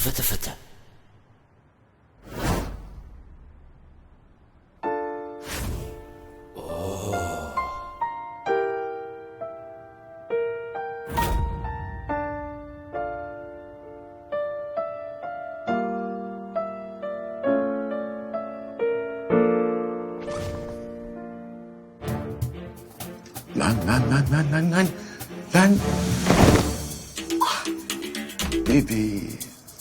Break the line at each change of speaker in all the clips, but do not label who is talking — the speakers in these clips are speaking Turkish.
fıtı fıtı.
Lan. Ah, bebeğim.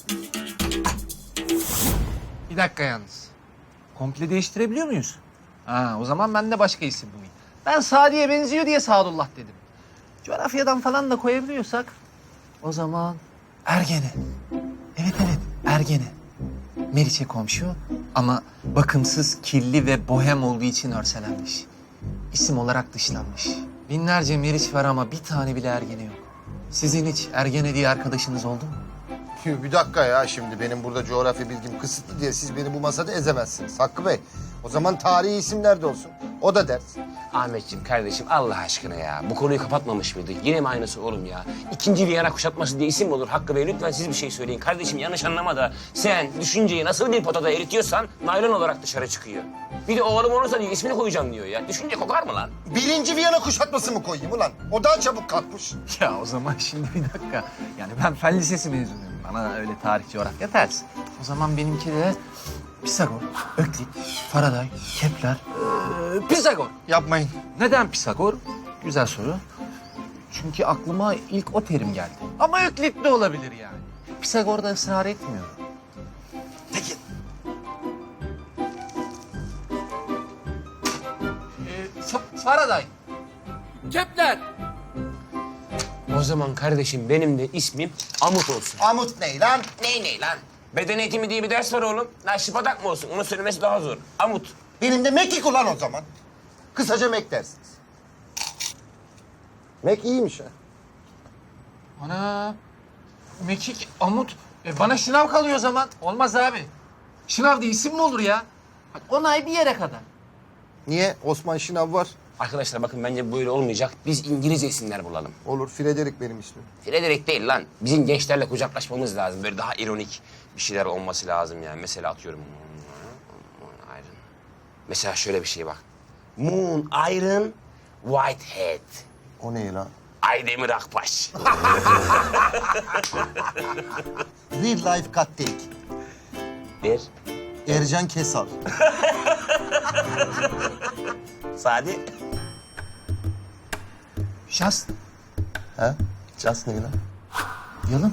Bir dakika yalnız. Komple değiştirebiliyor muyuz? Ha, o zaman ben de başka isim bulayım. Ben Sadi'ye benziyor diye Sadullah dedim. Coğrafyadan falan da koyabiliyorsak o zaman Ergene. Evet, Ergene. Meriç'e komşu ama bakımsız, kirli ve bohem olduğu için örselenmiş. İsim olarak dışlanmış. Binlerce Meriç var ama bir tane bile Ergene yok. Sizin hiç Ergene diye arkadaşınız oldu mu?
Bir dakika ya, şimdi benim burada coğrafya bilgim kısıtlı diye siz beni bu masada ezemezsiniz Hakkı Bey. O zaman tarihi isimler de olsun. O da ders.
Ahmetciğim kardeşim Allah aşkına ya. Bu konuyu kapatmamış mıydık? Yine mi aynısı oğlum ya? İkinci Viyana kuşatması diye isim mi olur? Hakkı Bey lütfen siz bir şey söyleyin. Kardeşim yanlış anlama da sen düşünceyi nasıl bir potada eritiyorsan naylon olarak dışarı çıkıyor. Bir de oğlum olursa diyor ismini koyacağım diyor ya. Düşünce kokar mı lan?
Birinci Viyana kuşatması mı koyayım ulan? O daha çabuk kalkmış.
Ya o zaman şimdi bir dakika. Yani ben fen lisesi mezunuyum. Bana öyle tarih, coğrafya ters. O zaman benimki de Pisagor, Öklit, Faraday, Kepler, Pisagor.
Yapmayın.
Neden Pisagor? Güzel soru. Çünkü aklıma ilk o terim geldi. Ama Öklit de olabilir yani. Pisagor da ısrar etmiyor. Peki. Faraday. Kepler.
O zaman kardeşim benim de ismim Amut olsun.
Amut ne lan?
Ney lan? Beden eğitimi diye bir ders var oğlum. Şıpadak mı olsun? Onu söylemesi daha zor. Amut.
Benim de Mekik ulan o zaman. Kısaca Mek dersiniz. Mek iyiymiş ha.
Ana. Mekik, Amut. Bana şınav kalıyor o zaman. Olmaz abi. Şınav diye isim mi olur ya? Bak, 10 ay bir yere kadar.
Niye? Osman Şınav var.
Arkadaşlar bakın bence böyle olmayacak. Biz İngilizce isimler bulalım.
Olur, Frederick benim ismim.
Frederick değil lan. Bizim gençlerle kucaklaşmamız lazım. Böyle daha ironik bir şeyler olması lazım yani. Mesela atıyorum. Moon Iron. Mesela şöyle bir şey bak. Moon Iron Whitehead.
O ne lan?
Aydemir Akbaş.
Real life cut take.
Der.
Ercan Kesal.
Sadi.
Just
Ha? Just ne lan?
yalın.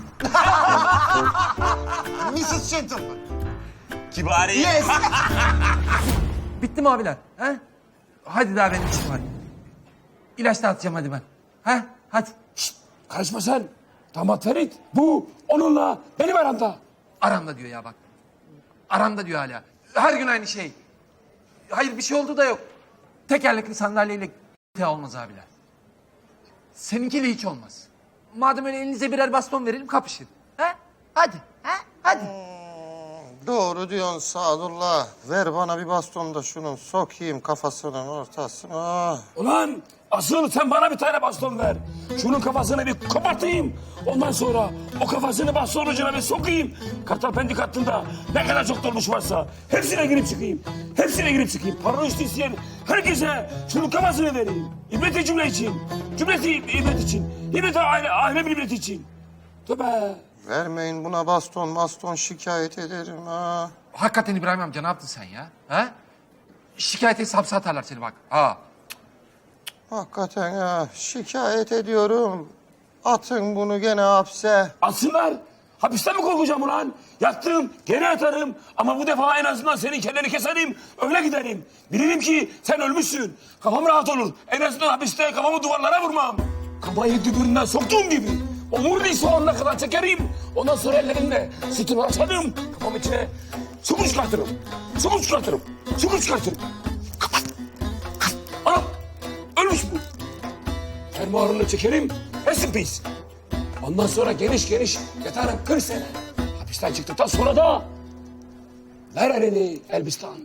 Mrs. Gentleman.
Kibari.
Yes.
Bitti mi abiler? Ha? Hadi daha benim işim var. İlaç dağıtacağım hadi ben. Ha? Hadi.
Şşt, karışma sen. Damat Ferit, bu onunla benim aramda.
Aramda diyor ya bak. Aramda diyor hala. Her gün aynı şey. Hayır bir şey oldu da yok. Tekerlekli sandalyeyle olmaz abiler. Seninkiyle hiç olmaz. Madem öyle elinize birer baston verelim kapışın. Ha? Hadi. Ha? Hadi.
Doğru diyorsun Sadullah. Ver bana bir baston da şunun sokayım kafasının ortasına.
Ulan asıl sen bana bir tane baston ver. Şunun kafasını bir kopartayım. Ondan sonra o kafasını baston ucuna bir sokayım. Kartal pendik hattında ne kadar çok dolmuş varsa hepsine girip çıkayım. Hepsine girip çıkayım. Paranı isteyen herkese şunun kafasını vereyim. İbreti cümle için. Cümleti ibret için. İbreti aile ibreti için. Tövbe.
Vermeyin buna baston şikayet ederim ha.
Hakikaten İbrahim amca ne yaptın sen ya? Ha? Şikayet etse hapse atarlar seni bak. Ha.
Hakikaten ha, şikayet ediyorum. Atın bunu gene hapse.
Atsınlar. Hapisten mi korkacağım ulan? Yattım, gene atarım. Ama bu defa en azından senin kelleni keserim, öyle giderim. Bilirim ki sen ölmüşsün. Kafam rahat olur. En azından hapiste kafamı duvarlara vurmam. Kafayı dübüründen soktuğum gibi. Omuriliği soğanına kadar çekerim. Ondan sonra ellerimle sütümü açarım. Kafam içine su çıkartırım. Su çıkartırım. Su çıkartırım. Kapat. Anam, ölmüş bu. Fermuarını çekerim. Rest in peace. Ondan sonra geniş yatarım 40 sene. Hapisten çıktıktan sonra da ver elini Elbistan.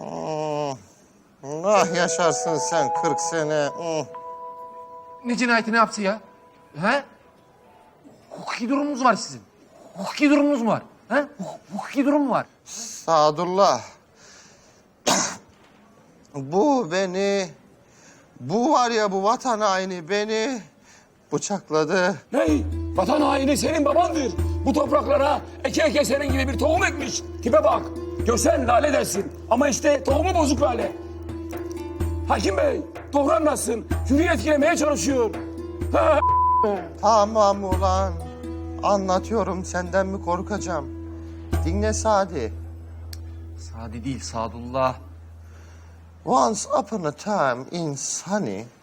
Ah yaşarsın sen 40 sene.
Ne cinayeti ne yaptı ya? He? Hukuki durumunuz var sizin. Hukuki durumunuz mu var? Ha? Hukuki durum mu var?
Sadullah. Bu var ya bu vatan haini beni bıçakladı.
Ney? Vatan haini senin babandır. Bu topraklara eke eke senin gibi bir tohum ekmiş. Tipe bak. Görsen lale dersin. Ama işte tohumu bozuk lale. Hakim Bey, doğru anlatsın. Hürriye etkilemeye çalışıyor. Ha,
Tamam ulan. Anlatıyorum senden mi korkacağım? Dinle Sadi.
Sadi değil, Sadullah.
Once upon a time in Sunny,